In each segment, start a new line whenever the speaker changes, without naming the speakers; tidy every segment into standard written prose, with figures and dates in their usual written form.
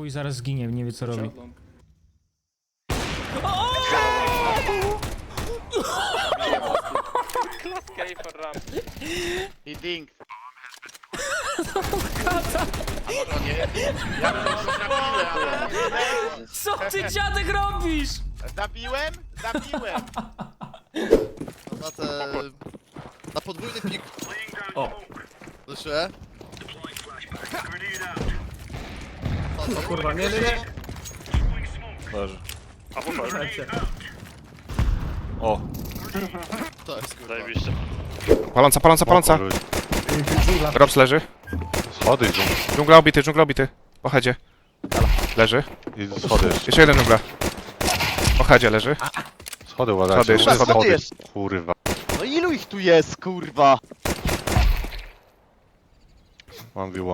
Chuj, zaraz zginie, nie wie co robi.
I ding. A może on nie? Ja bym go zabiłem, ale nie.
Co ty, dziadek, robisz?
Zabiłem? Zabiłem.
Na te... Na podwójny pik.
O.
Słyszę?
O kurwa, nie.
Leży. O,
To jest kurwa.
zajebiście.
Paląca. Robs leży.
Schody idą.
Dżungla obity. Po headzie. Leży.
I schody jeszcze.
Jeszcze jeden dżungla. Po headzie leży.
Schody uważajcie.
Schody jeszcze, schody.
Kurwa.
No ilu ich tu jest, kurwa?
Mam wiło.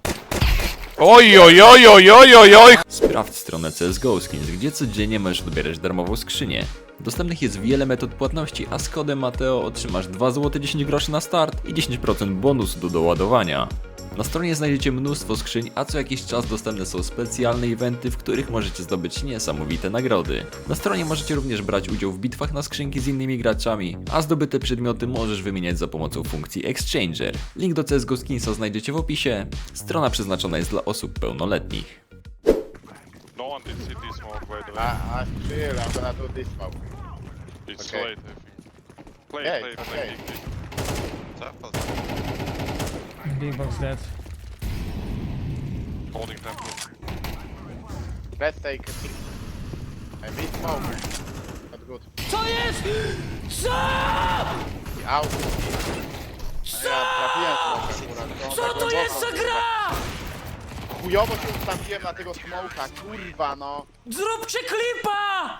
Oj.
Sprawdź stronę CSGO Skins, gdzie codziennie możesz odbierać darmową skrzynię. Dostępnych jest wiele metod płatności, a z kodem Mateo otrzymasz 2 zł 10 groszy na start i 10% bonusu do doładowania. Na stronie znajdziecie mnóstwo skrzyń, a co jakiś czas dostępne są specjalne eventy, w których możecie zdobyć niesamowite nagrody. Na stronie możecie również brać udział w bitwach na skrzynki z innymi graczami, a zdobyte przedmioty możesz wymieniać za pomocą funkcji Exchanger. Link do CSGO Skinsa znajdziecie w opisie. Strona przeznaczona jest dla osób pełnoletnich.
No one did city smoke, by the way.
Chill, I'm gonna do this smoke.
It's
Okay.
late, I think. Play,
Yeah,
play,
it's
play,
okay.
big. Zapad.
Big box dead.
Holding temple.
Let's take a peek. I mid smoke. Not good.
Co jest? Co?
Out. Ja trafiłem smoka, akurat.
Co to jest za gra?
Chujowo się ustawiłem na tego smoka, kurwa no.
Zróbcie klipa!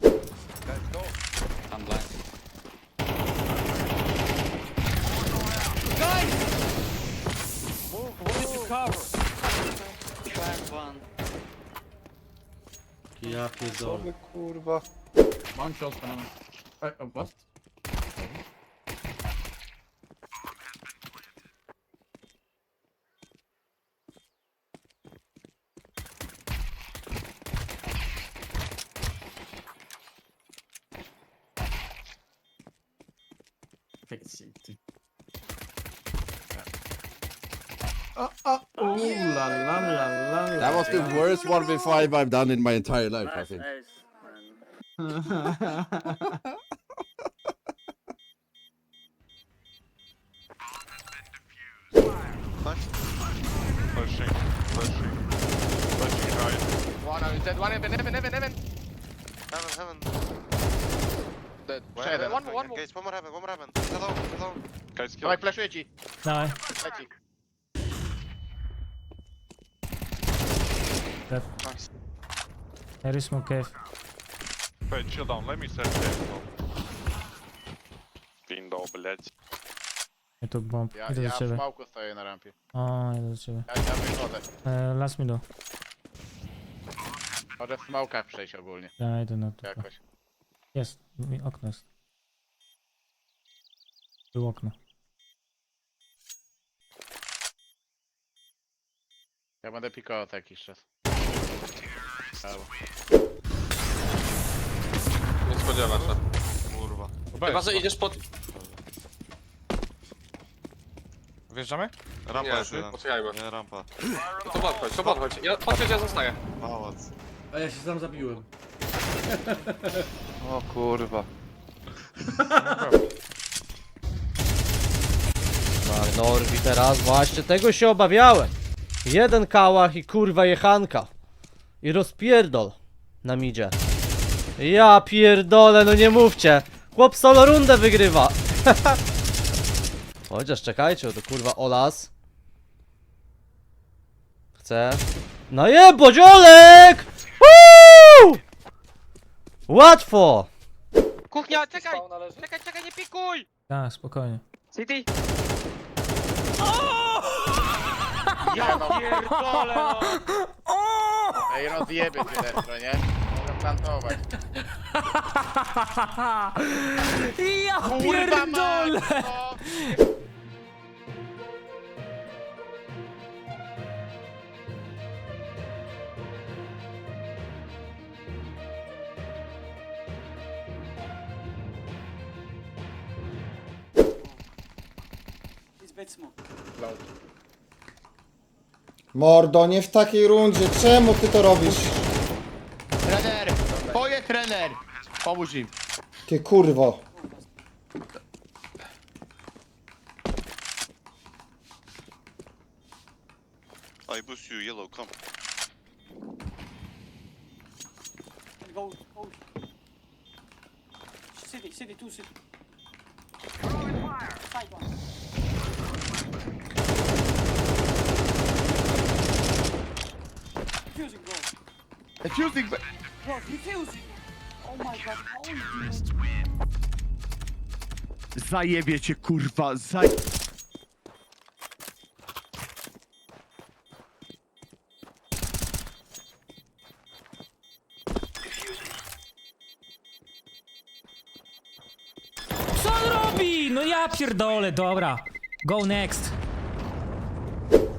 Ja pierdolę.
Kurwa.
Mam cioskę na... what? Ooh la la la la.
That was the worst 1v5 I've done in my entire life, I think.
Flashing. Flashing right.
One dead, one heaven.
Heaven.
Dead.
Where
Jeden.
heaven? Guys, one more heaven. Hello.
Guys, kill.
Dawaj, flashuję ci.
Dawaj.
Leci.
Dead. There is smoke cave.
Wait, chill down. Let me set game. Window, blядь.
Ja tu bomb.
Ja
Idę do
w
ciebie.
smoku stoję na rampie.
O, idę do ciebie.
Ja wychodzę.
Last middle.
Może w smokach przejść ogólnie.
Ja idę na to.
Jakoś.
Jest. Okno jest. Był okno.
Ja będę pikował to jakiś czas. Brawo.
Nie spodziewa się.
Kurwa.
Chyba, że idziesz pod...
Wjeżdżamy?
Rampa
Nie,
jest jeden.
poczekajmy.
Nie, rampa.
No to podchodź. Podchodź, ja zostaję.
Pałac.
A ja się sam zabiłem.
O kurwa.
Norwi teraz, właśnie tego się obawiałem. Jeden kałach i kurwa jechanka. I rozpierdol na midzie. Ja pierdolę, no nie mówcie. Chłop solo rundę wygrywa. Chociaż czekajcie, to kurwa Olas. Chcę. No jebo, dziolek! Woo! Łatwo!
Kuchnia, czekaj, nie pikuj!
Tak, spokojnie.
City!
Ja pierdolę no! Ej, rozjebie cię Destro, nie? Mogę plantować.
Ja
Kurwa mać,
pierdolę!
no!
Mordo, nie w takiej rundzie. Czemu ty to robisz?
Trener! Twoje trener! Pomóż im.
Ty kurwo.
I boost you, yellow, come.
Defusing! Zajebie cię, kurwa,
Co on robi? No ja pierdolę, dobra. Go next.